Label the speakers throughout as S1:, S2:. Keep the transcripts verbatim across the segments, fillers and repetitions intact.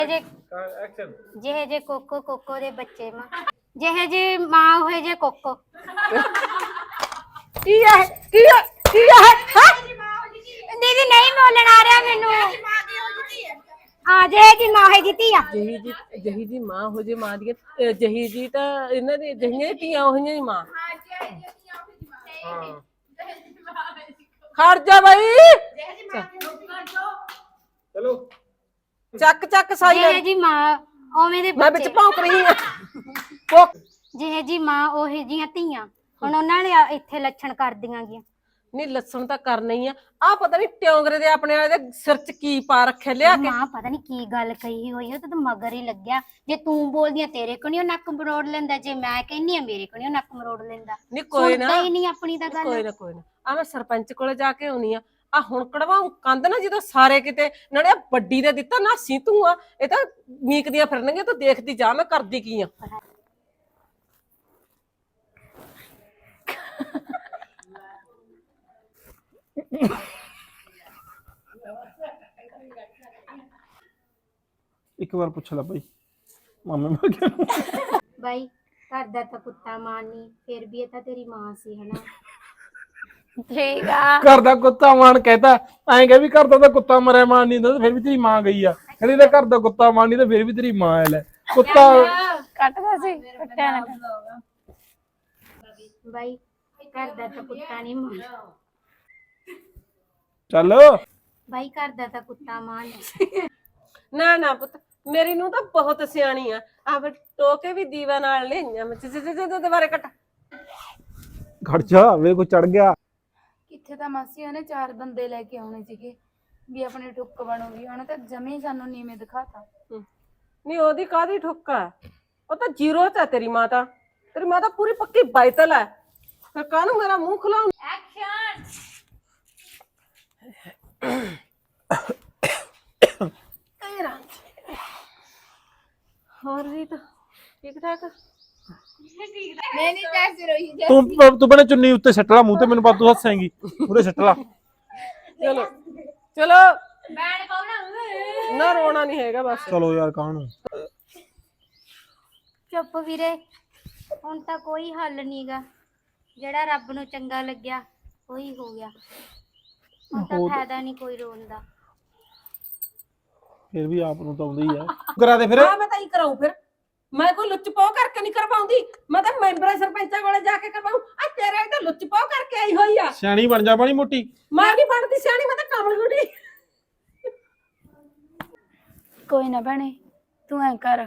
S1: Action
S2: ਜਿਹੇ ਜੇ cocoa cocoa ਦੇ ਬੱਚੇ ਮਾਂ ਜਿਹੇ ਜੇ ਮਾਂ ਹੋਏ ਜੇ ਕੋਕੋ
S3: ਕੀ ਹੈ ਕੀ ਹੈ ਕੀ ਹੈ
S2: ਦੀਦੀ ਨਹੀਂ ਬੋਲਣ ਆ ਰਿਹਾ ਮੈਨੂੰ ਆ ਜੇ ਜੀ ਮਾਂ ਹੈ ਜਿੱਤੀ ਆ
S3: ਜਹੀ ਜੀ ਜਹੀ ਜੀ ਮਾਂ ਹੋ ਜੇ ਮਾਂ ਦੀ ਜਹੀ ਜੀ ਤਾਂ ਇਹਨਾਂ ਦੀ ਜਹੀਆਂ ਧੀਆਂ ਹੋਈਆਂ ਹੀ ਮਾਂ ਖੜ ਜਾ ਬਈ
S1: चलो
S3: ਚੱਕ ਚੱਕ ਸਾਈ
S2: ਜਿਹੇ ਜੀ ਮਾਂ ਓਵੇਂ ਦੇ
S3: ਮੈਂ ਵਿੱਚ
S2: ਬੱਚੇ
S3: ਭੌਂਕ ਰਹੀ ਆ ਭੌਂਕ
S2: ਜਿਹੇ ਜੀ ਮਾਂ ਉਹੇ ਜੀਆਂ ਧੀਆਂ ਹੁਣ ਉਹਨਾਂ ਨੇ ਇੱਥੇ ਲੱਛਣ ਕਰਦੀਆਂ ਗੀਆਂ
S3: ਨਹੀਂ ਲੱਸਣ ਤਾਂ ਕਰਨਾ ਹੀ ਆ ਆ ਪਤਾ ਨਹੀਂ ਟਿਉਂਗਰੇ ਦੇ ਆਪਣੇ ਵਾਲੇ ਦੇ ਸਿਰ ਚ ਕੀ ਪਾ ਰੱਖਿਆ ਲਿਆ ਕੇ
S2: ਮਾਂ ਪਤਾ ਨਹੀਂ ਕੀ ਗੱਲ ਕਹੀ ਹੋਈ ਉਹ ਤਾਂ ਮਗਰ ਹੀ ਲੱਗਿਆ ਜੇ ਤੂੰ ਬੋਲਦੀ ਆ ਤੇਰੇ ਕੋਲ ਨਹੀਂ ਨੱਕ ਮਰੋੜ ਲੈਂਦਾ ਜੇ ਮੈਂ ਕਹਿੰਨੀ ਆ ਮੇਰੇ ਕੋਲ ਨਹੀਂ ਨੱਕ ਮਰੋੜ ਲੈਂਦਾ
S3: ਨਹੀਂ ਕੋਈ ਨਾ
S2: ਸੁਣਦਾ ਹੀ ਨਹੀਂ ਆਪਣੀ ਤਾਂ ਗੱਲ
S3: ਕੋਈ ਨਾ ਕੋਈ ਨਾ ਆ ਮੈਂ ਸਰਪੰਚ ਕੋਲੇ ਜਾ ਕੇ ਆਉਣੀ ਆ ਆ ਹੁਣ ਕੜਵਾਉ ਕੰਧ ਨਾ ਜਦੋਂ ਸਾਰੇ ਕਿਤੇ ਨਾਲੇ ਵੱਡੀ ਦੇ ਦਿੱਤਾ ਨਾ ਸੀ ਤੂੰ ਆ ਇਹ ਤਾਂ ਮੀਕਦੀਆਂ ਫਿਰਨਗੀਆਂ ਤੂੰ ਦੇਖਦੀ ਜਾ ਮੈਂ ਕਰਦੀ ਕੀ ਆ
S1: एक बार पूछ ला भाई मामे में क्या
S2: ਬਾਈ ਘਰ ਦਾ ਤਾਂ ਕੁੱਤਾ ਮਾਂ ਨਹੀਂ ਫਿਰ ਵੀ ਇਹ ਤਾਂ ਤੇਰੀ ਮਾਂ ਸੀ ਹਨਾ ਠੀਕ ਆ
S1: घर दा कुत्ता मान कहता ऐं कह भी घर दा कुत्ता मरे मान नहीं था फिर भी तेरी मां गई आ कहती ते घर दा कुत्ता मान नहीं तो फिर भी तेरी मां है ले कुत्ता
S2: ਕੱਟਦਾ ਸੀ ਕੱਟਿਆ ਨਾ ਬਾਈ ਘਰ ਦਾ ਤਾਂ ਕੁੱਤਾ ਨਹੀਂ ਮਾਂ
S1: चल
S2: ਬਾਈ ਘਰ ਦਾ ਤਾਂ ਕੁੱਤਾ ਮਾਂ ਨਹੀਂ
S3: ਨਾ ਨਾ ਪੁੱਤ ਮੇਰੀ ਨੂੰ ਤਾਂ ਬਹੁਤ ਸਿਆਣੀ ਆ ਆ ਫਿਰ ਟੋਕੇ ਵੀ ਦੀਵਾ ਨਾਲ ਲਈਆਂ ਮੈਂ ਦੁਬਾਰੇ ਕੱਟ
S1: खड़ जा वे को चढ़ गया
S4: ਕਿੱਥੇ ਤਾਂ ਮਾਸੀ ਉਹਨੇ ਚਾਰ ਬੰਦੇ ਲੈ ਕੇ ਆਉਣੇ ਸੀਗੇ ਵੀ ਆਪਣੀ ਟੁੱਕ ਬਣੂਗੀ ਉਹਨੇ ਤਾਂ ਜਮੇ ਸਾਨੂੰ ਨੀਵੇਂ ਦਿਖਾਤਾ
S3: ਨਹੀਂ ਉਹਦੀ ਕਾਦੀ ਠੁੱਕਾ ਉਹ ਤਾਂ ਜ਼ੀਰੋ ਚ ਆ ਤੇਰੀ ਮਾਤਾ ਤੇਰੀ ਮਾਤਾ ਪੂਰੀ ਪੱਕੀ ਬਾਈਤਲ ਹੈ ਫਿਰ ਕਾਹਨੂੰ ਮੇਰਾ ਮੂੰਹ ਖੁਲਾਉਂ ਹੋਰ ਵੀ ਤਾਂ ਠੀਕ ਠਾਕ
S4: ਨਹੀਂ ਨਹੀਂ ਜੈਸੇ ਰੋਈ
S1: तू तू बने चुन्नी उत्ते सट ला मुंह ते मेनू बात तू हसेंगी पूरे सट ला
S3: ਚਲੋ ਚਲੋ
S2: ਬੈਣ ਪਾਉਣਾ
S3: ਨਾ ਰੋਣਾ ਨਹੀਂ ਹੈਗਾ ਬਸ
S1: चलो यार कानू
S2: ਚੁੱਪ ਵੀਰੇ ਹੁਣ ਤਾਂ ਕੋਈ ਹੱਲ ਨਹੀਂਗਾ ਜਿਹੜਾ ਰੱਬ ਨੂੰ ਚੰਗਾ ਲੱਗਿਆ ਉਹੀ ਹੋ ਗਿਆ ਹੁਣ ਤਾਂ ਫਾਇਦਾ ਨਹੀਂ ਕੋਈ ਰੋਣ ਦਾ
S1: फिर भी आप नु तो आउंदी है करा दे फिर
S3: ਹਾਂ ਮੈਂ ਤਾਂ ਹੀ ਕਰਾਉ ਫਿਰ ਮੈਂ ਕੋਈ ਲੁੱਚ ਪਾਉ ਕਰਕੇ ਨਹੀਂ ਕਰਵਾਉਂਦੀ ਮੈਂ ਤਾਂ ਮੈਂਬਰਾਂ ਸਰਪੰਚਾਂ ਕੋਲੇ ਜਾ ਕੇ ਕਰਵਾਉ ਆ ਤੇਰੇ ਤਾਂ ਲੁੱਚ ਪਾਉ ਕਰਕੇ ਆਈ ਹੋਈ ਆ
S1: सियाणी बन जा बड़ी मोटी
S3: ਮੈਂ ਨਹੀਂ ਬਣਦੀ ਸਿਆਣੀ ਮੈਂ ਤਾਂ ਕਮਲ ਗੁੱਡੀ
S4: ਕੋਈ ਨਾ ਭੈਣੇ ਤੂੰ ਐ ਕਰ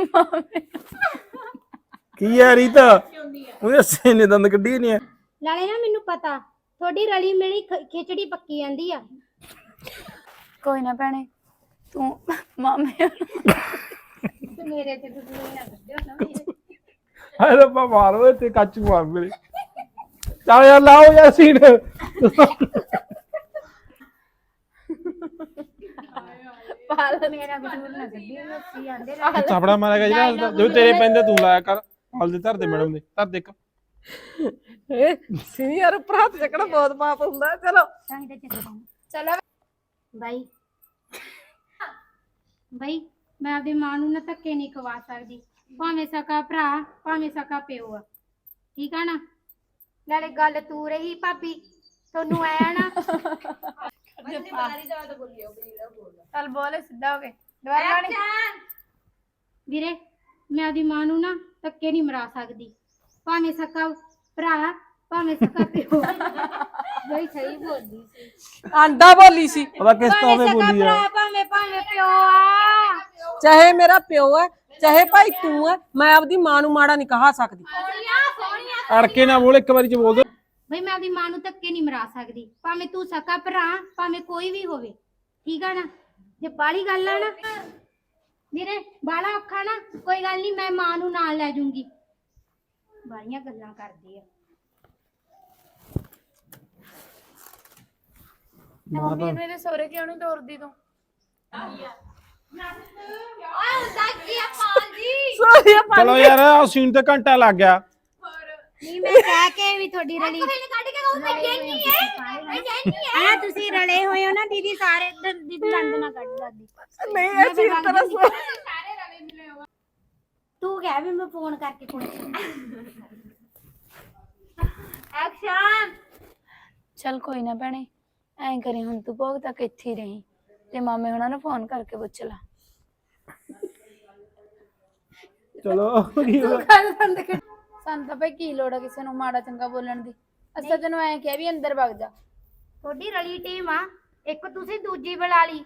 S1: की है रीता ओए हसे ने दंद कड्डी नहीं है
S2: ਨਾਲੇ ਨਾ ਮੈਨੂੰ ਪਤਾ ਤੁਹਾਡੀ ਰਲੀ ਮਿਲੀ ਖ- ਖਿਚੜੀ ਪੱਕੀ ਜਾਂਦੀ ਆ
S4: ਕੋਈ ਨਾ ਭੈਣੇ ਤੂੰ ਮਾਮੇ
S2: ਤੇ ਮੇਰੇ ਤੇ ਤੁਸੀਂ ਨਾ ਕੱਢਿਓ ਨਾ ਮੇਰੇ
S1: हाय रब्बा मारो ते काचू मार मेरे चल यार लाओ यार सीन
S2: ਪਾਲ ਮੇਰਾ ਕਸੂਰ ਨਾ ਕੱਢਿਓ ਸੀ ਆਂਦੇ
S1: चापड़ा मारेगा जरा जो तेरे पेंदे तू लाया कर हाल दे धर दे मैडम दे धर देख
S3: ਸੀਨੀਅਰ ਉੱਪਰ ਹੱਥ ਚੱਕਣਾ ਬਹੁਤ ਪਾਪ ਹੁੰਦਾ ਚਲੋ
S2: ਤਾਂ ਹੀ ਤਾਂ ਚੱਕਦਾ
S4: ਚਲੋ
S2: ਬਾਈ ਬਾਈ ਮੈਂ ਆਪਣੀ ਮਾਂ ਨੂੰ ਨਾ ਧੱਕੇ ਨਹੀਂ ਖਵਾ ਸਕਦੀ ਭਾਵੇਂ ਸਕਾ ਭਰਾ ਭਾਵੇਂ ਸਕਾ ਪਿਓ ਆ ਠੀਕ ਆ ਨਾ ਨਾਲੇ ਗੱਲ ਤੂੰ ਰਹੀ ਭਾਬੀ ਤੁਹਾਨੂੰ ਆਇਆ ਨਾ
S4: ਚੱਲ ਬੋਲੇ ਸਿੱਧਾ ਹੋ ਕੇ ਦੁਬਾਰਾ ਨਹੀਂ
S2: ਵੀਰੇ ਮੈਂ ਆਪਣੀ ਮਾਂ ਨੂੰ ਨਾ ਧੱਕੇ ਨਹੀਂ ਮਰਾ ਸਕਦੀ ਭਾਵੇਂ ਸਕਾ ਭਰਾ ਭਾਵੇਂ ਸਕਾ ਪਿਓ ਬਈ ਸਹੀ ਬੋਲਦੀ ਸੀ
S3: ਆਂਡਾ ਬੋਲੀ ਸੀ
S1: पता किस तो
S2: ਭਾਵੇਂ
S1: में
S2: ਸਕਾ
S1: बोली है
S2: ਭਰਾ ਭਾਵੇਂ ਭਾਵੇਂ ਪਿਓ ਆ
S3: ਚਾਹੇ ਮੇਰਾ ਪਿਓ ਹੈ ਚਾਹੇ ਭਾਈ ਤੂੰ ਹੈ ਮੈਂ ਆਪਦੀ ਮਾਂ ਨੂੰ ਮਾੜਾ ਨਹੀਂ ਕਹਾ ਸਕਦੀ
S1: अड़के ना बोल एक बारी च बोल दे
S2: ਬਈ ਮੈਂ ਆਪਣੀ ਮਾਂ ਨੂੰ ਧੱਕੇ ਨਹੀਂ ਮਰਾ ਸਕਦੀ ਭਾਵੇਂ ਤੂੰ ਸਕਾ ਭਰਾ ਭਾਵੇਂ ਕੋਈ ਵੀ ਹੋਵੇ ਠੀਕ ਆ ਨਾ ਜੇ ਬਾਲੀ ਗੱਲ ਆ ਨਾ ਵੀਰੇ ਬਾਲਾ ਔਖਾ ਨਾ ਕੋਈ ਗੱਲ ਨਹੀਂ ਮੈਂ ਮਾਂ ਨੂੰ ਨਾਲ ਲੈ ਜੂੰਗੀ ਬਾਲੀਆਂ ਗੱਲਾਂ ਕਰਦੀ ਆ
S4: ਮੰਮੀ ਮੇਰੇ ਸਹੁਰੇ ਕਿਉਂ ਨਹੀਂ ਤੋਰਦੀ ਤੂੰ
S1: चलो यार सीन ते घंटा लग गया
S2: ਨਹੀਂ ਮੈਂ ਕਹਿ ਕੇ ਵੀ ਤੁਹਾਡੀ ਰਲੀ ਕਿਉਂ ਮੈਂ ਜਾਨੀ ਹੈ ਮੈਂ ਜਾਨੀ ਹੈ ਤੁਸੀਂ ਰਲੇ ਹੋਏ ਹੋ ਨਾ ਦੀਦੀ ਸਾਰੇ ਦੀਦੀ ਦੰਦ ਨਾ ਕੱਢ ਦਾਦੀ
S3: ਨਹੀਂ ਅਸੀਂ ਤਰ੍ਹਾਂ
S2: ਸਾਰੇ ਰਲੇ ਮਿਲੇ ਹੋ ਤੂੰ ਕਹਿ ਵੀ ਮੈਂ ਫੋਨ ਕਰਕੇ ਪੁੱਛਾਂ ਐਕਸ਼ਨ
S4: ਚੱਲ ਕੋਈ ਨਾ ਭੈਣੇ, ਐਂ ਕਰੀ ਹੁਣ ਤੂੰ ਭੋਗ ਤੱਕ ਇੱਥੇ ਹੀ ਰਹੀਂ ਤੇ ਮਾਮੇ ਹੁਣਾਂ ਨੂੰ ਫੋਨ ਕਰਕੇ ਪੁੱਛ ਲਾ।
S1: ਚਲੋ ਕੀ ਹੋਇਆ?
S4: ਸਾਨੂੰ ਤਾਂ ਭਾਈ ਕੀ ਲੋੜ ਆ ਕਿਸੇ ਨੂੰ ਮਾੜਾ ਚੰਗਾ ਬੋਲਣ ਦੀ। ਅਸੀਂ ਤਾਂ ਤੈਨੂੰ ਐਂ ਕਿਹਾ ਵੀ ਅੰਦਰ ਵਗ ਜਾ।
S2: ਤੁਹਾਡੀ ਰਲੀ ਟੀਮ ਆ, ਇੱਕ ਤੁਸੀਂ ਦੂਜੀ ਬੁਲਾ ਲਈ।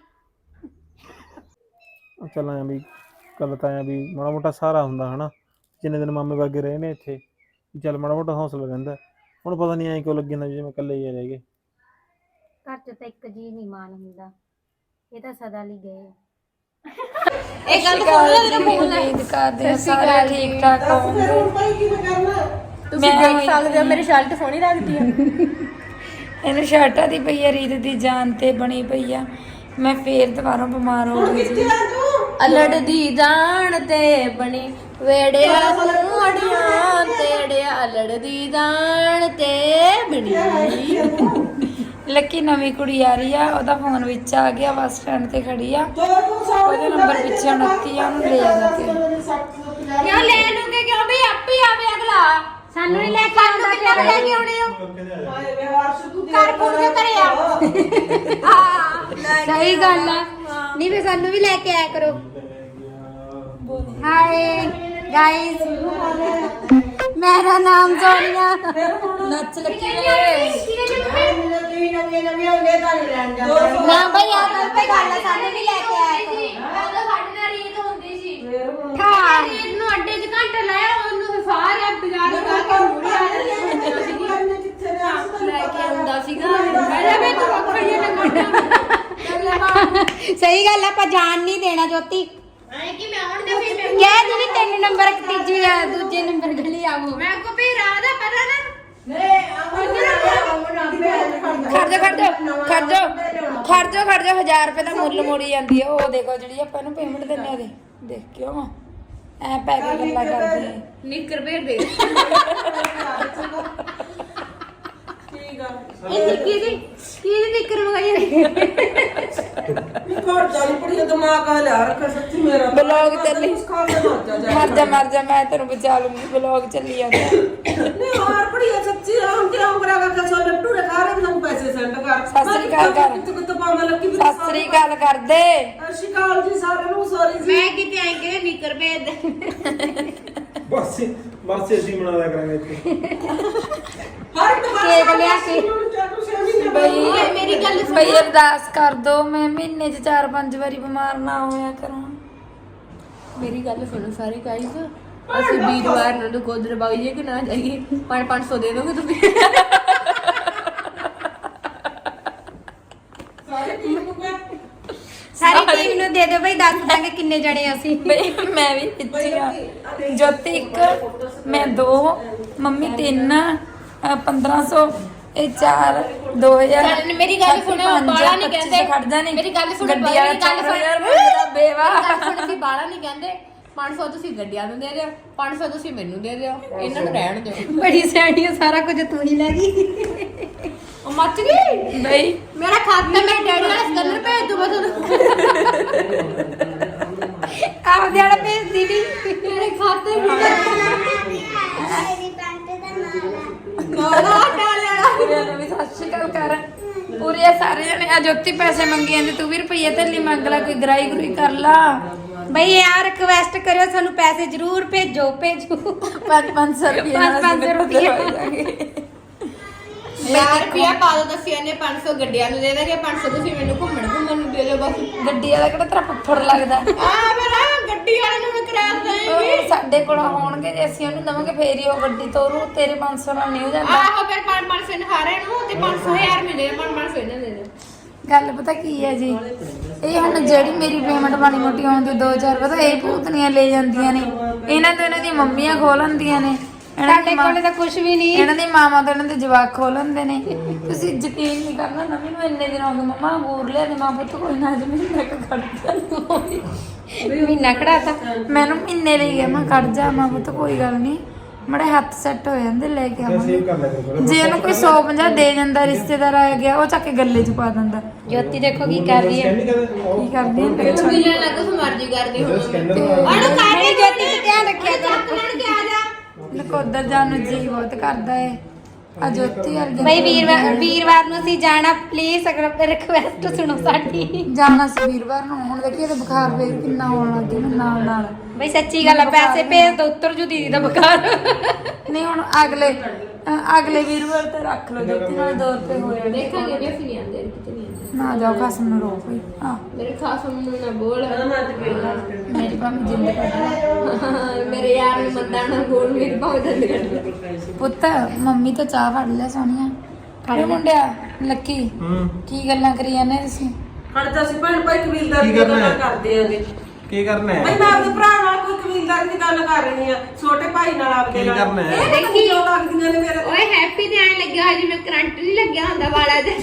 S1: ਚੱਲ ਆਇਆ ਵੀ ਗੱਲ ਤਾਂ ਆਇਆ ਵੀ ਮਾੜਾ ਮੋਟਾ ਸਹਾਰਾ ਹੁੰਦਾ ਹਨਾ, ਜਿੰਨੇ ਦਿਨ ਮਾਮੇ ਵਰਗੇ ਰਹੇ ਨੇ ਇੱਥੇ ਚੱਲ ਮਾੜਾ ਮੋਟਾ ਹੌਸਲਾ ਰਹਿੰਦਾ। ਹੁਣ ਪਤਾ ਨਹੀਂ ਐਂ ਕਿਉਂ ਲੱਗੀ ਨਾ ਜਿਵੇਂ ਇਕੱਲੇ ਹੀ ਰਹਿ ਗਏ।
S2: ਘਰ ਚ ਤਾਂ ਇੱਕ ਜੀ ਨਹੀਂ ਮਾਨ ਹੁੰਦਾ, ਇਹ ਤਾਂ ਸਦਾ ਲਈ ਗਏ।
S4: ਇਹ ਗੱਲ ਉਮੀਦ ਕਰਦੇ ਹਾਂ ਸਾਰੇ ਠੀਕ ਠਾਕ ਹੋਣਗੇ।
S3: ਤੁਸੀਂ ਦੇਖ ਸਕਦੇ ਹੋ ਮੇਰੀ ਸ਼ਰਟ ਸੋਹਣੀ ਲੱਗਦੀ ਆ।
S4: ਇਹਨੂੰ ਸ਼ਰਟਾਂ ਦੀ ਪਈ ਆ, ਰੀਤ ਦੀ ਜਾਨ ਤੇ ਬਣੀ ਪਈ ਆ। ਮੈਂ ਫੇਰ ਦੁਬਾਰਾ ਬਿਮਾਰ ਹੋ ਗਈ ਸੀ। ਅਲੜ ਦੀ ਜਾਨ ਤੇ ਬਣੀ ਵੇੜਿਆ ਸਲੂੜੀਆਂ ਤੇੜਿਆ ਅਲੜ ਦੀ ਜਾਨ ਤੇ ਬਣੀ। ਲੱਕੀ ਨਵੀਂ ਕੁੜੀ ਆ ਰਹੀ ਆ, ਉਹਦਾ ਫੋਨ ਵਿੱਚ ਆ ਗਿਆ, ਬੱਸ ਸਟੈਂਡ ਤੇ ਖੜੀ ਆ, ਉਹਦੇ ਨੰਬਰ ਪਿੱਛੇ ਉਨੱਤੀ ਆ, ਉਹਨੂੰ ਲੈ ਜਾਣਾ ਤੇ
S2: ਕਿਉਂ ਲੈ ਲੂਗੇ? ਕਿਉਂ ਵੀ ਆਪੇ ਆਵੇ ਅਗਲਾ, ਸਾਨੂੰ ਨਹੀਂ ਲੈ ਕੇ ਆਉਂਦਾ। ਕਿਉਂ ਲੈ ਕੇ ਆਉਣੇ ਹੋ? ਕਰ ਪੁੱਟ ਕੇ ਕਰੇ ਆ। ਹਾਂ ਸਹੀ ਗੱਲ ਆ, ਨਹੀਂ ਵੀ ਸਾਨੂੰ ਵੀ ਲੈ ਕੇ ਆਇਆ ਕਰੋ। ਹਾਏ ਗਾਇਸ, ਮੇਰਾ ਨਾਮ ਸੋਨੀਆ।
S4: ਨੱਚ ਲੱਕੀ
S2: ਨਾ ਭਾਈ ਆ ਗੱਲ ਤੇ ਗੱਲ ਆ, ਸਾਨੂੰ ਵੀ ਲੈ ਕੇ ਆਇਆ ਕਰੋ। ਸਾਡੇ ਨਾਲ ਰੀਤ ਹੁੰਦੀ ਸੀ। ਹਾਂ ਰੀਤ ਨੂੰ ਅੱਡੇ 'ਚ ਘੰਟਾ ਲਾਇਆ, ਉਹਨੂੰ ਸਾਰੇ ਬਾਜ਼ਾਰ ਲਗਾ ਕੇ ਮੂਰੇ ਆ ਜਾਂਦੀ ਸੀ।
S4: ਲੈ ਕੇ ਆਉਂਦਾ ਸੀਗਾ।
S2: ਅਰੇ ਮੈਂ ਤੂੰ ਅੱਖੜੀਆਂ ਲਗਾਉਣਾ। ਸਹੀ ਗੱਲ ਆ, ਆਪਾਂ ਜਾਣ ਨਹੀਂ ਦੇਣਾ ਜੋਤੀ। ਐ ਕਿ ਮੈਂ ਹੁਣ ਤੇ ਫਿਰ ਮੈਂ ਕਹਿ ਜਿਹੜੀ ਤਿੰਨ ਨੰਬਰ ਤੀਜੀ ਆ ਦੂਜੇ ਨੰਬਰ ਗਲੀ ਆਵੋ। ਮੈਂ ਕੋ ਵੀ ਰਾਹ ਦਾ ਪਤਾ ਨਾ।
S4: ਖੜ ਜਾ ਖੜ ਜਾ ਖੜ ਜਾ ਖੜ ਜਾ ਖੜ ਜਾ ਹਜ਼ਾਰ ਰੁਪਏ ਦਾ ਮੁੱਲ ਮੋੜੀ ਜਾਂਦੀ ਹੈ। ਉਹ ਦੇਖੋ ਜਿਹੜੀ ਆਪਾਂ ਇਹਨੂੰ ਪੇਮੈਂਟ ਦਿੰਨੇ ਆ, ਦੇ ਦੇਖ ਕਿਉਂ ਐ ਪੈ ਕੇ ਗੱਲਾਂ ਕਰਦੇ ਆ।
S3: ਨਿੱਕਰ ਭੇਜ ਦੇ।
S2: ਇਹ ਨਿੱਕੀ ਦੀ ਕੀ ਦੀ ਨਿੱਕਰ ਮਗਾਈ
S4: ਬਲੌਗ ਚੱਲੀ ਮਰ ਜਾ ਮਰ ਜਾ, ਮੈਂ ਤੈਨੂੰ ਬਚਾ ਲੂੰਗੀ। ਬਲੌਗ ਚੱਲੀ ਜਾਂਦਾ। ਸਤਿ ਸ੍ਰੀ ਅਕਾਲ ਕਰ, ਸਤਿ ਸ੍ਰੀ ਅਕਾਲ ਕਰ ਦੇ।
S2: ਮੈਂ ਕਿਤੇ ਆਈ ਕਿ ਨਿੱਕਰ ਭੇਜ ਦੇ।
S1: ਬਸ ਬਸ ਅਸੀਂ ਬਣਾ ਲਿਆ ਕਰਾਂਗੇ ਇੱਥੇ
S2: ਕੇਕ ਲਿਆ ਕੇ।
S4: ਬਈ
S2: ਮੇਰੀ ਗੱਲ ਸੁਣ।
S4: ਬਈ ਅਰਦਾਸ ਕਰ ਦੋ, ਮੈਂ ਮਹੀਨੇ ਚ ਚਾਰ ਪੰਜ ਵਾਰੀ ਬਿਮਾਰ ਨਾ ਹੋਇਆ ਕਰਾਂ।
S3: ਮੇਰੀ ਗੱਲ ਸੁਣੋ ਸਾਰੇ ਗਾਇਸ, ਅਸੀਂ ਵੀਰਵਾਰ ਨੂੰ ਗੋਦਰ ਬਾਈਏ ਕਿ ਨਾ ਜਾਈਏ? ਪੰਜ ਪੰਜ ਸੌ ਦੇ ਦੋਗੇ ਤੁਸੀਂ?
S2: ਸਾਰੀ ਟੀਮ ਨੂੰ ਦੇ ਦਿਓ ਬਈ, ਦੱਸ ਦਾਂਗੇ ਕਿੰਨੇ ਜਣੇ ਅਸੀਂ।
S4: ਬਈ ਮੈਂ ਵੀ ਪਿੱਛੇ ਆ। ਜੋਤੀ ਇੱਕ, ਮੈਂ ਦੋ, ਮੰਮੀ ਤਿੰਨ, ਪੰਦਰਾਂ ਸੌ, ਇਹ ਚਾਰ, ਦੋ ਹਜ਼ਾਰ।
S2: ਮੇਰੀ ਗੱਲ ਸੁਣੋ, ਬਾਲਾ ਨਹੀਂ ਕਹਿੰਦੇ।
S4: ਖੜਦਾ ਨਹੀਂ,
S2: ਮੇਰੀ ਗੱਲ ਸੁਣੋ,
S4: ਗੱਡੀ ਵਾਲਾ
S2: ਗੱਲ
S4: ਚਾਰ ਹਜ਼ਾਰ ਮੰਗਦਾ ਬੇਵਾ।
S3: ਹੁਣ ਅਸੀਂ ਬਾਲਾ ਨਹੀਂ ਕਹਿੰਦੇ। ਪੰਜ ਸੌ ਤੁਸੀਂ ਗੱਡੀਆਂ ਨੂੰ ਦੇ ਦਿਓ, ਪੰਜ ਸੌ ਤੁਸੀਂ ਮੈਨੂੰ ਦੇ ਦਿਓ, ਇਹਨਾਂ ਨੂੰ ਰਹਿਣ ਦਿਓ।
S2: ਬੜੀ ਸਿਆਣੀ ਆ, ਸਾਰਾ ਕੁਝ ਤੂੰ ਹੀ ਲੈ ਗਈ।
S3: ਉਹ ਮੱਚ ਗਈ
S4: ਬਈ
S2: ਮੇਰਾ ਖਾਤਾ ਮੈਂ ਡੈਡੀ ਨਾਲ ਸਕੈਨਰ ਭੇਜ ਦੂੰ ਬਸ। ਆਪਦੇ ਵਾਲਾ ਭੇਜ ਦੀ ਵੀ ਮੇਰੇ ਖਾਤੇ ਵਿੱਚ।
S4: ਕੋਲਾ ਡਾਲਣਾ ਵੀਰੇ ਵੀ ਸਤਿ ਸ਼੍ਰੀ ਅਕਾਲ ਕਰ। ਪੂਰੇ ਸਾਰੇ ਜਣੇ ਆ। ਜੋਤੀ ਪੈਸੇ ਮੰਗੇ ਜਾਂਦੇ, ਤੂੰ ਵੀ ਰੁਪਈਏ ਥੱਲੀ ਮੰਗ ਲਾ, ਕੋਈ ਗਰਾਈ ਗੁਰੀ ਕਰ ਲਾ।
S2: ਬਈ ਯਾਰ ਰਿਕਵੈਸਟ ਕਰਿਓ, ਸਾਨੂੰ ਪੈਸੇ ਜ਼ਰੂਰ ਭੇਜੋ ਭੇਜੋ।
S4: ਪੰਜ ਪੰਜ ਸੌ ਰੁਪਏ
S2: ਪੰਜ ਪੰਜ ਸੌ ਰੁਪਏ
S3: ਹਜ਼ਾਰ ਰੁਪਇਆ ਪਾ ਦੋ, ਦੱਸਿਆ ਨੇ ਪੰਜ ਸੌ ਗੱਡੀਆਂ ਨੂੰ ਦੇ ਦਾਂਗੇ, ਪੰਜ ਸੌ ਤੁਸੀਂ ਮੈਨੂੰ ਘੁੰਮਣ ਘੁੰਮਣ ਨੂੰ ਦੇ ਦਿਓ ਬਸ।
S4: ਗੱਡੀ ਵਾਲਾ ਕਿਹੜਾ ਤੇਰਾ ਫੁੱਫੜ ਲੱਗਦਾ?
S3: ਆ ਮੇਰਾ ਗੱਡੀ ਵਾਲੇ ਨੂੰ ਮੈਂ ਕਿਰਾਇਆ ਦੇਵਾਂਗੀ।
S4: ਉਹ ਸਾਡੇ ਕੋਲ ਹੋਣਗੇ, ਜੇ ਅਸੀਂ ਉਹਨੂੰ ਦਵਾਂਗੇ ਫੇਰ ਹੀ ਉਹ ਗੱਡੀ ਤੋਰੂ। ਤੇਰੇ ਪੰਜ ਸੌ ਨਾਲ ਨਹੀਂ ਹੋ ਜਾਂਦਾ।
S3: ਆਹੋ ਫਿਰ ਪੰਜ ਪੰਜ ਸੌ ਨਹਾਰੇ ਨੂੰ ਤੇ ਪੰਜ ਸੌ ਹਜ਼ਾਰ ਮਿਲੇ, ਪੰਜ ਪੰਜ ਸੌ ਇਹਨਾਂ ਦੇ ਦਿਓ।
S4: ਗੱਲ ਪਤਾ ਕੀ ਹੈ ਜੀ, ਇਹ ਹੁਣ ਜਿਹੜੀ ਮੇਰੀ ਪੇਮੈਂਟ ਮਾੜੀ ਮੋਟੀ ਆਉਂਦੀ ਦੋ ਹਜ਼ਾਰ ਪਤਾ ਇਹ ਭੂਤਨੀਆਂ ਲੈ ਜਾਂਦੀਆਂ ਨੇ। ਇਹਨਾਂ ਤੋਂ ਇਹਨਾਂ ਦੀਆਂ ਮੰਮੀਆਂ ਖੋਲ ਲੈਂਦੀਆਂ ਨੇ।
S2: ਸਾਡੇ ਕੋਲੇ ਤਾਂ ਕੁਝ ਵੀ ਨਹੀਂ।
S4: ਇਹਨਾਂ ਦੀ ਮਾਮਾ ਤੋਂ ਇਹਨਾਂ ਦੇ ਜਵਾਕ ਖੋਲ ਲੈਂਦੇ ਨੇ। ਤੁਸੀਂ ਯਕੀਨ ਨਹੀਂ ਕਰਨਾ, ਨਵੀਂ ਨੂੰ ਇੰਨੇ ਦਿਨ ਹੋ ਗਏ ਮੰਮਾ ਅੰਗੂਰ ਲਿਆ ਦੇ, ਮਾਂ ਪੁੱਤ ਕੋਈ ਨਾ ਅੱਜ ਮਹੀਨਾ ਕੁ ਖੜ ਜਾ।
S2: ਮਹੀਨਾ ਖੜਾਤਾ
S4: ਮੈਨੂੰ ਮਹੀਨੇ ਲਈ ਗਿਆ, ਮੈਂ ਖੜ ਜਾ ਮਾਂ ਪੁੱਤ ਕੋਈ ਗੱਲ ਨਹੀਂ। ਮੜੇ ਹੱਥ ਸੈੱਟ ਹੋ ਜਾਂਦੇ ਲੈ ਕੇ ਆਵਾਂਗੇ।
S1: ਸੇਵ ਕਰ ਲਿਆ ਕਰੋ।
S4: ਜੇ ਉਹਨੂੰ ਕੋਈ ਸੌ ਪੰਜਾਹ ਦੇ ਜਾਂਦਾ ਰਿਸ਼ਤੇਦਾਰ ਆ ਗਿਆ ਉਹ ਚੱਕ ਕੇ ਗੱਲੇ 'ਚ ਪਾ ਦਿੰਦਾ।
S2: ਜੋਤੀ ਦੇਖੋ ਕੀ ਕਰ ਰਹੀ ਹੈ।
S4: ਕੀ ਕਰਦੀ ਹੈ
S5: ਮਿਲਣ ਲੱਗ ਕੁਛ ਮਰਜ਼ੀ ਕਰਦੀ ਹੁਣ
S2: ਉਹਨੂੰ ਕਾਹਦੀ ਜੋਤੀ ਤੇ ਧਿਆਨ ਰੱਖਿਆ ਕਰ।
S4: ਨਕੋਦਰ ਜਾਣ ਨੂੰ ਜੀ ਬਹੁਤ ਕਰਦਾ ਏ ਆ ਜੋਤੀ ਵਰਗੀ
S2: ਬਈ ਵੀਰਵਾਰ ਵੀਰਵਾਰ ਨੂੰ ਅਸੀਂ ਜਾਣਾ, ਪਲੀਜ਼ ਅਗਰ ਰਿਕਵੈਸਟ ਸੁਣੋ ਸਾਡੀ।
S4: ਜਾਣਾ ਸੀ ਵੀਰਵਾਰ ਨੂੰ। ਹੁਣ ਦੇਖੀ ਇਹਦਾ ਬੁਖਾਰ ਫੇਰ ਕਿੰਨਾ ਆਉਣ ਲੱਗ ਗਿਆ ਮੈਨੂੰ ਨਾਲ ਨਾਲ।
S2: ਬਈ ਸੱਚੀ ਗੱਲ ਆ, ਪੈਸੇ ਭੇਜ ਦੋ ਉੱਤਰ ਜੂ ਦੀਦੀ ਦਾ ਬੁਖਾਰ।
S4: ਨਹੀਂ ਹੁਣ ਅਗਲੇ ਅ- ਅਗਲੇ ਵੀਰਵਾਰ ਤੇ ਰੱਖ ਲਓ ਜੋਤੀ ਨਾਲ ਦੋ ਰੁਪਏ ਹੋ ਜਾਣੇ।
S5: ਦੇਖਾਂਗੇ ਵੀ ਅਸੀਂ ਨਹੀਂ ਆਉਂਦੇ ਕਿਤੇ ਨਹੀਂ ਆਉਂਦੇ
S4: ਨਾ ਜਾਓ ਖਸਮ ਨੂੰ ਰੋ ਕੋਈ ਹਾਂ
S5: ਮੇਰੇ ਖਾਸਮ ਨੂੰ ਨਾ ਬੋਲ
S4: ਮੇਰੀ ਭਾਵੇਂ ਜਿੰਦ ਕੱਢ
S5: ਮੇਰੇ ਯਾਰ ਨੂੰ ਮੰਦਾ ਨਾ ਬੋਲ ਮੇਰੀ ਭਾਵੇਂ ਦੰਦ ਕੱਢ
S4: ਪੁੱਤ ਮੰਮੀ ਤਾਂ ਚਾਹ ਫੜ ਲਿਆ ਸੋਹਣੀਆ ਫੜੇ ਮੁੰਡਿਆ ਲੱਕੀ
S1: ਹੂੰ
S4: ਕੀ ਗੱਲਾਂ ਕਰੀ ਜਾਂਦੇ ਤੁਸੀਂ?
S3: ਖੜਦਾ ਸੀ ਭੈਣ ਭਾਈ ਕਬੀਲਦਾਰ
S1: ਕੀ
S3: ਦੀ
S1: ਕਰਨਾ
S3: ਗੱਲ
S1: ਹੈ?
S3: ਕਰਦੇ ਆਂਗੇ
S1: ਕੀ ਕਰਨਾ
S3: ਭਾਈ
S1: ਹੈ?
S3: ਮੈਂ ਆਪਣੇ ਭਰਾ ਨਾਲ ਕੋਈ ਕਬੀਲਦਾਰ ਦੀ ਗੱਲ ਕਰ ਰਹੀ ਆ, ਛੋਟੇ ਭਾਈ ਨਾਲ ਆਪਦੇ
S1: ਕੀ
S3: ਨਾਲ।
S1: ਕਰਨਾ ਹੈ?
S3: ਇਹ ਦੇਖੀ ਕਿਉਂ ਲੱਗਦੀਆਂ ਨੇ ਮੇਰੇ
S5: ਓਏ ਹੈਪੀ ਤੇ ਐਂ ਲੱਗਿਆ ਹੋਇਆ ਜਿਵੇਂ ਕਰੰਟ ਨਹੀਂ ਲੱਗਿਆ ਹੁੰਦਾ ਵਾਲਾ ਤੇ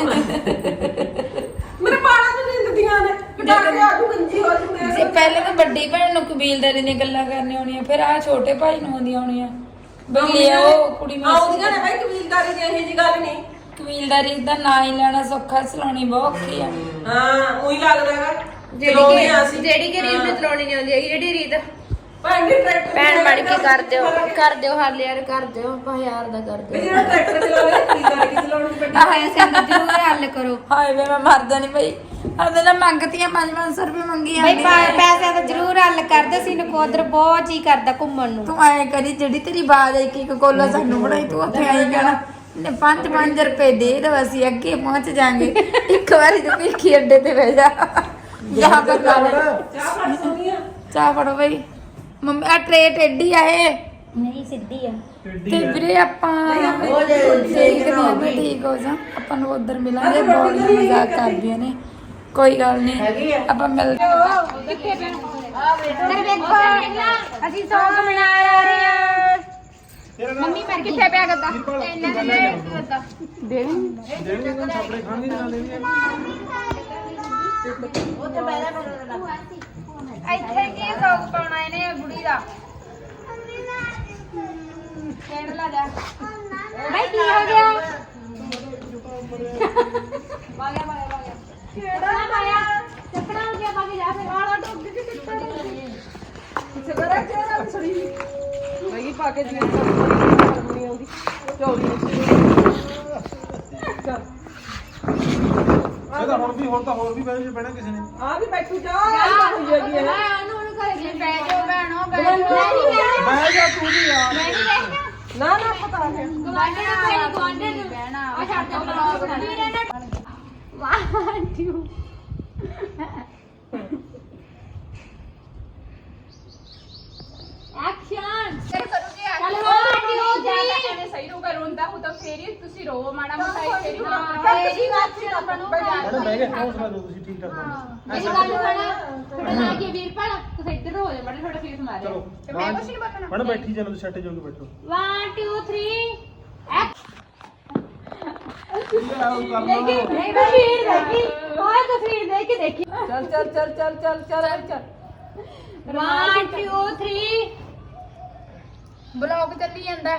S3: ਮੇਰੇ ਬਾਲਾਂ ਨੂੰ ਨਿੰਦਦੀਆਂ ਨੇ ਕਟਾ ਕੇ ਆਜੂ ਗੰਜੀ ਹੋ ਜੂਗੇ।
S4: ਜੇ ਪਹਿਲੇ ਤਾਂ ਵੱਡੀ ਭੈਣ ਨੂੰ ਕਬੀਲਦਾਰੀ ਦੀਆਂ ਗੱਲਾਂ ਕਰਨੀਆਂ ਹੋਣੀਆਂ ਫਿਰ ਆ ਛੋਟੇ ਭਾਈ ਨੂੰ ਆਉਂਦੀਆਂ ਹੋਣੀਆਂ ਬਈ ਉਹ ਕੁੜੀ ਨੂੰ
S3: ਆਉਂਦੀਆਂ ਨੇ ਭਾਈ ਕਬੀਲਦਾਰੀ ਦੀ ਇਹੋ ਜੀ ਗੱਲ ਨਹੀਂ।
S4: ਕਬੀਲਦਾਰੀ ਦਾ ਨਾਂ ਹੀ ਲੈਣਾ ਸੌਖਾ ਚਲਾਉਣੀ ਬਹੁਤ ਔਖੀ ਆ।
S3: ਹਾਂ ਉਹੀ ਲੱਗਦਾ ਹੈਗਾ
S5: ਜਿਹੜੀ ਕਿ ਜਿਹੜੀ ਕਿ ਰੀਤ ਨੂੰ ਚਲਾਉਣੀ ਨਹੀਂ ਆਉਂਦੀ ਹੈਗੀ, ਜਿਹੜੀ ਰੀਤ
S3: ਭੈਣ ਦੀ ਟਰੈਕਟਰ
S5: ਭੈਣ ਬਣ ਕੇ ਕਰ ਦਿਓ ਕਰ ਦਿਓ ਹਾਲ ਯਾਰ ਕਰ ਦਿਓ ਹਜ਼ਾਰ ਦਾ ਕਰ ਦਿਓ
S3: ਜਿਹੜਾ ਟਰੈਕਟਰ ਚਲਾਉਂਦਾ ਕਬੀਲਦਾਰੀ ਕੀ ਚਲਾਉਣੀ ਪੈਂਦੀ।
S2: ਆਹ ਐਸੇ ਨੂੰ ਜ਼ਰੂਰ ਹੱਲ ਕਰੋ।
S4: ਹਾਏ ਵੇ ਮੈਂ ਮਰਦਾ ਨਹੀਂ ਬਈ ਅਦੇ ਨਾ ਮੰਗਤੀਆਂ ਪੰਜ ਪੰਜ ਸੌ ਰੁਪਏ ਮੰਗੀ
S2: ਬਈ
S4: ਜਾਂਦੀ
S2: ਪਾ- ਪੈਸਿਆਂ ਦਾ ਜ਼ਰੂਰ ਹੱਲ ਕਰਦੇ ਸੀ। ਨਕੋਦਰ ਬਹੁਤ ਜੀ ਕਰਦਾ ਘੁੰਮਣ ਨੂੰ।
S4: ਤੂੰ ਆਏ ਕਰੀ ਜਿਹੜੀ ਤੇਰੀ ਬਾਜ ਆਈ ਕਿ ਕੋਲਾ ਸਾਨੂੰ ਬਣਾਈ ਤੂੰ ਉੱਥੇ ਆਈ ਕਹਿਣਾ ਨੇ ਪੰਜ ਪੰਜ ਰੁਪਏ ਦੇ ਦੋ ਅਸੀਂ ਅੱਗੇ ਪਹੁੰਚ ਜਾਾਂਗੇ। ਇੱਕ ਵਾਰੀ ਤੂੰ ਭਿੱਖੀ ਅੱਡੇ ਤੇ ਬਹਿ ਜਾ ਜਹਾਂ ਪਰ ਨਾਲ
S3: ਚਾਹ ਫੜ ਸੋਨੀਆ
S4: ਚਾਹ ਫੜੋ ਬਈ ਮੰਮੀ ਆ ਟਰੇ ਟੇਢੀ ਆ ਇਹ
S2: ਨਹੀਂ ਸਿੱਧੀ ਆ।
S4: ਤੇ ਵੀਰੇ ਆਪਾਂ ਦੇਖਦੇ ਹਾਂ ਵੀ ਠੀਕ ਹੋ ਜਾ ਆਪਾਂ ਨੂੰ ਉਧਰ ਮਿਲਾਂਗੇ। ਬਹੁਤ ਮਜ਼ਾਕ ਕਰਦੀਆਂ ਨੇ ਕੋਈ ਗੱਲ ਨਹੀਂ ਆਪਾਂ ਮਿਲਦੇ
S2: ਇੱਧਰ ਵੇਖੋ ਅਸੀਂ ਸੌਂਗ ਮਨਾ ਰਹੇ ਹਾਂ। ਮੰਮੀ ਮਰ ਗਈ ਕਿੱਥੇ ਪਿਆ ਗੱਦਾ ਇਹਨਾਂ ਨੇ ਗੱਦਾ
S1: ਦੇਣੀ ਨਾ ਛਾਪੜੇ ਖਾਣਗੇ ਨਾ ਦੇਣੀ
S2: ਇੱਥੇ ਕੀ ਸੌਂਗ ਪਾਉਣਾ ਇਹਨੇ ਬੁੜੀ ਦਾ ਕਹਿਣ ਲੱਗਾ ਬਈ ਕੀ ਹੋ ਗਿਆ? ਬਾਗਿਆ ਬਾਗਿਆ ਬਾਗਿਆ ਕਿਹੜਾ ਪਾਇਆ ਚੱਪੜਾ ਹੋ ਗਿਆ ਬਾਗੇ ਜਾ ਫਿਰ ਆਲਾ ਟੁੱਟ ਕੇ ਕਿੱਥੇ
S3: ਸਗਰਾ ਚਿਹਰਾ ਵੀ ਛੜੀ ਬਈ ਪਾ ਕੇ ਜੀ ਨਹੀਂ ਆਉਂਦੀ ਚੌੜੀ
S1: ਇਹ ਤਾਂ ਹੁਣ ਵੀ ਹੁਣ ਤਾਂ ਹੋਰ ਵੀ ਬਹਿ ਬਹਿਣਾ ਕਿਸੇ ਨੇ।
S3: ਆ ਵੀ ਬੈਠੂ ਜਾ ਹੋਈ ਹੈਗੀ ਹੈ
S2: ਉਹਨੂੰ ਉਹਨੂੰ ਘਰੇ ਗਈ ਬੈ ਜਾਓ ਭੈਣੋ ਬੈ ਜਾਓ।
S1: ਬਹਿ ਜਾ ਤੂੰ ਵੀ ਯਾਰ।
S2: ਮੈਂ ਨਹੀਂ ਬੈਠਣਾ
S3: ਨਾ ਨਾ ਪਤਾ ਹੈ
S2: ਗਵਾਂਢੇ ਨੂੰ ਕੋਈ ਗਵਾਂਢੇ ਨੂੰ ਬਹਿਣਾ ਆ ਛੱਡ ਦੇ ਬਲੌਗ ਵੀਰੇ ਨੇ ਵਾਹ ਟੂ ਐਕਸ਼ਨ ਕਰ ਕਰੋਗੇ ਚੱਲ ਵਾਹ ਟੂ
S6: ਸਹੀ ਰਹੂਗਾ ਰੋਂਦਾ ਹੋ ਤਾਂ ਫੇਰ ਹੀ ਤੁਸੀਂ ਰੋ ਮਾੜਾ ਮੋਟਾ ਹੀ ਫੇਰ ਹੀ
S2: ਤੇਰੀ ਐਕਸ਼ਨ ਬਣੂਗਾ
S1: ਮੈਡਮ ਬਹਿ ਕੇ ਹੌਸਲਾ ਦਿਓ ਤੁਸੀਂ ਠੀਕ ਠਾਕ ਬਣੋ।
S6: ਇਹ ਗੱਲ ਸੁਣਾ ਤੁਹਾਡਾ ਨਾਂ ਕੀ ਹੈ ਵੀਰਪਾਲ ਤੁਸੀਂ ਇੱਧਰ ਹੋ ਜਾ ਮਾੜਾ ਤੁਹਾਡਾ ਫੇਸ ਮਾਰਿਆ
S1: ਚਲੋ
S6: ਤੇ ਮੈਂ ਕੁਛ ਨਹੀਂ ਬੋਲਣਾ
S1: ਮੈਡਮ ਬੈਠੀ ਜਾਣਾ ਤੁਸੀਂ ਸੈੱਟ ਜੋ ਕੇ ਬੈਠੋ।
S2: one two three
S1: ਨਹੀਂ
S2: ਨਹੀਂ ਤਸਵੀਰ ਦੇਖੀ ਉਹ ਤਸਵੀਰ ਦੇਖ ਕੇ ਦੇਖੀ
S3: ਚੱਲ ਚੱਲ ਚੱਲ ਚੱਲ ਚੱਲ ਚੱਲ ਚੱਲ
S2: one two three
S6: ਬਲੌਗ ਚੱਲੀ ਜਾਂਦਾ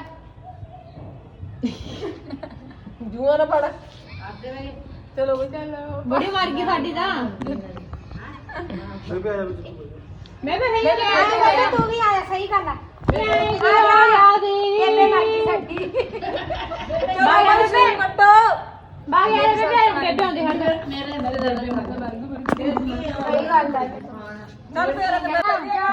S3: ਜੂਆ ਨਾ ਪੜ ਚਲੋ ਬਈ ਚੱਲ
S2: ਬੜੀ ਮਰ ਗਈ ਸਾਡੀ ਤਾਂ
S1: ਫਿਰ ਵੀ ਆ ਜਾ ਵਿੱਚ
S6: ਮੈਂ ਵੀ ਸਹੀ
S2: ਮੈਂ ਤੂੰ ਵੀ ਆਇਆ ਸਹੀ ਗੱਲ ਆ ਆ ਯਾ ਦੇਵੀ ਇਹਨੇ ਮਰ ਗਈ ਸਾਡੀ
S3: ਬਾਬਾ ਜੀ ਨੂੰ ਕੱਟੋ
S2: ਬਾਗ ਯਾਰ ਬੇਬੇ ਬੇਬੇ ਆਉਂਦੇ ਹਨ
S6: ਮੇਰੇ ਮੇਰੇ ਦਰਦ ਹੁੰਦਾ ਮਰ ਗਈ
S2: ਸਹੀ ਗੱਲ ਆ
S3: ਚੱਲ ਫੇਰ
S2: ਇਹ ਮੈਂ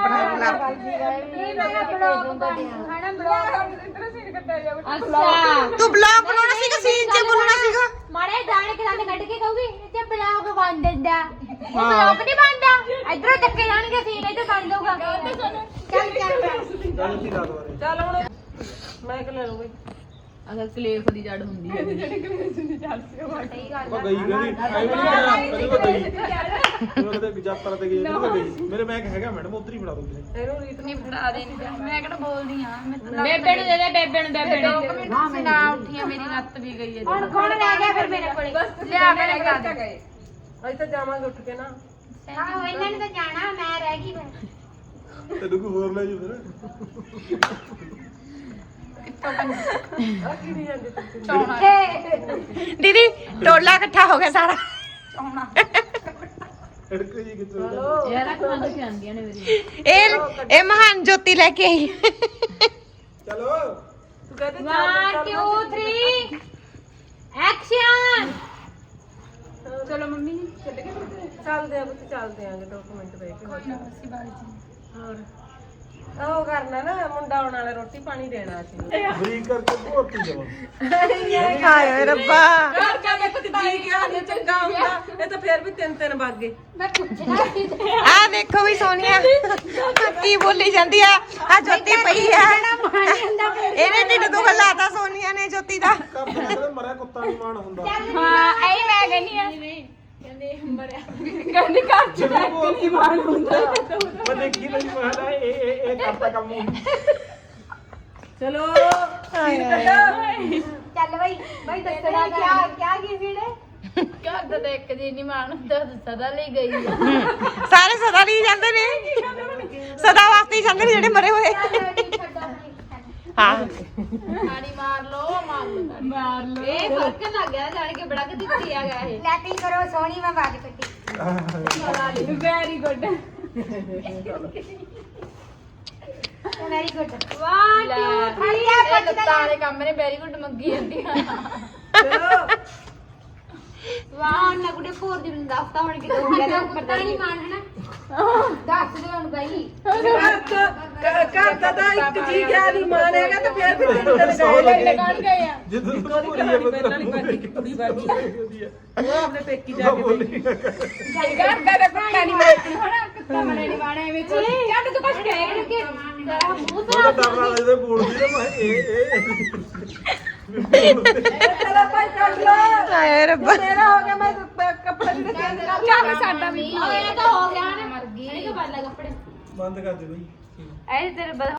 S2: ਬਲੌਗ ਬਣਾਉਣਾ ਹਨਾ ਬਲੌਗ ਅੱਛਾ
S5: ਤੂੰ ਬਲੌਗ ਬਣਾਉਣਾ ਸੀਗਾ ਸੀਨ ਚ ਬੋਲਣਾ ਸੀਗਾ
S2: ਮਾੜੇ ਦਾਣੇ ਕਿਦਾਂ ਕੱਢ ਕੇ ਕਹੂਗੀ ਤੇ ਬਲੌਗ ਬਣ ਦਿੰਦਾ ਉਹ ਬਲੌਗ ਨਹੀਂ ਬਣਦਾ ਇਧਰੋਂ ਚੱਕੇ ਜਾਣਗੇ ਸੀਨ ਇੱਧਰ ਬਣ ਜਾਊਗਾ ਚੱਲ ਚੱਲ
S1: ਚੱਲ ਕੀ ਰਾਤ ਵਾਲੇ
S3: ਚੱਲ ਹੁਣ ਮੈਂ ਕਿ ਲੈ ਲਓ ਬਈ
S6: ਅਗਰ ਕਲੇਫ ਦੀ ਜੜ ਹੁੰਦੀ ਹੈ
S1: ਉਹ ਗਈ ਕਹਿੰਦੀ ਆਈ ਵੀ ਨਹੀਂ ਕਦੇ ਕੋ ਗਈ ਉਹ ਕਦੇ ਜਾਤਰਾ ਤੇ ਗਈ ਕਦੇ ਗਈ ਮੇਰੇ ਬੈਗ ਹੈਗਾ ਮੈਡਮ ਉਧਰ ਹੀ ਫੜਾ ਦੋ ਕਿਸੇ
S3: ਇਹਨੂੰ ਰੀਤ
S4: ਨਹੀਂ ਫੜਾ ਦੇ ਮੈਂ ਕਿਹੜਾ ਬੋਲਦੀ ਆ ਮੈਂ ਤਾਂ
S6: ਬੇਬੇ ਨੂੰ ਦੇ ਦੇ ਬੇਬੇ ਨੂੰ ਬੇਬੇ ਨੂੰ
S4: ਹਾਂ ਮੈਂ ਨਾ ਉੱਠੀ ਮੇਰੀ ਲੱਤ ਵੀ ਗਈ ਹੈ
S2: ਹੁਣ ਕੌਣ ਲੈ ਗਿਆ ਫਿਰ ਮੇਰੇ ਕੋਲੇ
S4: ਲਿਆ ਕੇ ਲਗਾ ਦੇ
S3: ਗਏ ਅਸੀਂ ਤਾਂ ਜਾਵਾਂਗੇ ਉੱਠ ਕੇ ਨਾ
S2: ਆਹੋ ਇਹਨਾਂ ਨੇ ਤਾਂ ਜਾਣਾ ਮੈਂ ਰਹਿ ਗਈ ਫਿਰ
S1: ਤੈਨੂੰ ਕੋਈ ਹੋਰ ਲੈ ਜੀ ਫਿਰ
S7: ਦੀਦੀ ਟੋਲਾ ਇਕੱਠਾ ਹੋ ਗਿਆ ਸਾਰਾ
S1: ਅੜਕੂ ਜੀ ਕਿੱਥੇ
S7: ਇਹ ਇਹ ਮਹਾਨ ਜੋਤੀ ਲੈ ਕੇ ਆਈ
S1: ਚਲੋ
S3: ਤੂੰ ਕਹਿੰਦੇ
S2: वन टू थ्री एक्शन
S6: ਚਲੋ ਮੰਮੀ ਚੱਲ ਗਏ
S3: ਚੱਲਦੇ ਆ ਬੁੱਤ ਚੱਲਦੇ ਆਂਗੇ ਦੋ ਕੁ ਮਿੰਟ ਬਹਿ ਕੇ ਹੋਰ ਉਹ ਕਰਨਾ ਨਾ ਮੁੰਡਾ ਆਉਣ ਵਾਲਾ ਰੋਟੀ ਪਾਣੀ ਦੇਣਾ ਸੀ
S1: ਬਰੀਕ ਕਰਕੇ ਭੋਰਤੀ ਜਾਵਾਂ
S7: ਹਾਏ ਰੱਬਾ
S3: ਘਰ ਜਾ ਕੇ ਕੁਝ ਜੀ ਗਿਆ ਨਹੀਂ ਚੰਗਾ ਹੁੰਦਾ ਇਹ ਤਾਂ ਫੇਰ ਵੀ ਤਿੰਨ ਤਿੰਨ ਵੱਜ ਗਏ
S2: मैं पूछना थी
S7: ਆ ਦੇਖੋ ਵੀ ਸੋਨੀਆ ਕੀ ਬੋਲੀ ਜਾਂਦੀ ਆ ਆ ਜੋਤੀ ਪਈ ਆ ਇਹਨੇ ਢਿੱਡ ਦੁਖ ਲਾਤਾ ਸੋਨੀਆ ਨੇ ਜੋਤੀ ਦਾ
S1: ਕੱਪ ਕਹਿੰਦੇ ਮਰਿਆ ਕੁੱਤਾ ਨਹੀਂ ਮਾਣ ਹੁੰਦਾ
S2: हाँ आई मैं कहनी है
S6: ਕਹਿੰਦੀ ਘਰ ਚ ਰਹਿ ਕੇ ਨਹੀਂ ਮਾਣ ਹੁੰਦਾ
S1: ਮੈਂ ਦੇਖੀ ਨਹੀਂ ਮੈਂ ਕਿਹਾ ਇਹ ਇਹ ਇਹ ਕਰਤਾ ਕੰਮ
S3: ਚਲੋ ਸੀਨ ਕੱਢੋ
S2: चल भाई भाई दसना क्या क्या की सीढ़े
S6: ਘਰ ਦਾ ਤਾਂ ਇੱਕ ਜੀ ਨਹੀਂ ਮਾਣ ਹੁੰਦਾ ਸਦਾ ਲਈ ਗਈ ਆ
S7: ਸਾਰੇ ਸਦਾ ਲਈ ਜਾਂਦੇ ਨੇ ਸਦਾ ਵਾਸਤੇ ਹੀ ਜਾਂਦੇ ਨੇ ਜਿਹੜੇ ਮਰੇ ਹੋਏ ਹਾਂ
S6: ਤਾੜੀ ਮਾਰ ਲਓ ਮਾਰ ਲਓ ਮਾਰ ਲਓ ਇਹ ਫਰਕ ਲੱਗ ਗਿਆ ਜਾਣ ਕੇ ਬੜਾ ਕਿ ਦਿੱਤੀ ਆ ਗਿਆ ਇਹ
S2: लैटिंग करो सोनी मैं बाज कटी
S6: very good
S2: very good one two three
S6: ਇਹ ਲੱਤਾਂ ਵਾਲੇ ਕੰਮ ਨੇ ਵੈਰੀ ਗੁੱਡ ਮੰਗੀ ਜਾਂਦੀ ਆ
S3: ਚਲੋ
S2: ਵਾਹ ਨਾ ਗੁੱਡੇ ਫੋਰ ਦੀ ਨੂੰ ਦੱਸਤਾ ਹੁਣ ਕਿ ਹੋ ਗਿਆ ਪਤਾ ਨਹੀਂ ਮਾਨ ਹੈ ਨਾ ਦੱਸ ਦੇ ਹੁਣ ਬਾਈ
S3: ਘਰ ਤਾਂ ਘਰ ਦਾ ਤਾਂ ਇੱਕ ਜੀ ਗਿਆ ਨਹੀਂ ਮਾਨੇਗਾ ਤਾਂ ਫੇਰ ਵੀ ਤਿੰਨ ਦਿਨ ਗਏ
S6: ਕੌਣ ਗਏ ਆ
S1: ਜਦੋਂ
S3: ਉਹਦੀ ਕਹਾਣੀ ਪਹਿਲਾਂ ਵਾਲੀ ਬਾਜੀ ਕਿ ਕੁੜੀ ਬਾਜੀ ਉਹ ਆਪਣੇ ਪੇਕੀ ਜਾ ਕੇ ਬੈਠੀ
S6: ਘਰ ਦਾ ਤਾਂ ਕੁੱਤਾ ਨਹੀਂ ਮਾਰਨਾ ਹਣਾ ਕੁੱਤਾ ਮਰੇ ਨਹੀਂ ਮਾਣਾ ਐਵੇਂ ਚੱਡ ਤੂੰ ਕੁਛ ਕਹਿ ਨਹੀਂ ਕਿ ਤੇਰਾ ਮੂੰਹ
S1: ਉਹਦਾ ਡਰ ਨਾਲ ਇਹਦੇ ਬੋਲਦੀ ਨਾ ਮੈਂ ਇਹ ਇਹ
S3: ਚਲੋ ਭਾਈ ਕੱਢ ਲੋ
S7: ਹਾਏ ਰੱਬਾ
S3: ਮੇਰਾ ਹੋ ਗਿਆ ਮੈਂ ਕ- ਕੱਪੜੇ ਵੀ ਚੇਂਜ ਕਰ
S6: ਚੱਲ ਸਾਡਾ ਵੀ
S2: ਇਹ ਤਾਂ ਹੋ ਗਿਆ ਨਾ
S6: ਮਰ ਗਈ
S2: ਇਹ ਤਾਂ ਬੱਲਾ ਕੱਪੜੇ
S1: ਬੰਦ ਕਰ ਦੇ ਬਈ
S6: ਐ ਤੇਰੇ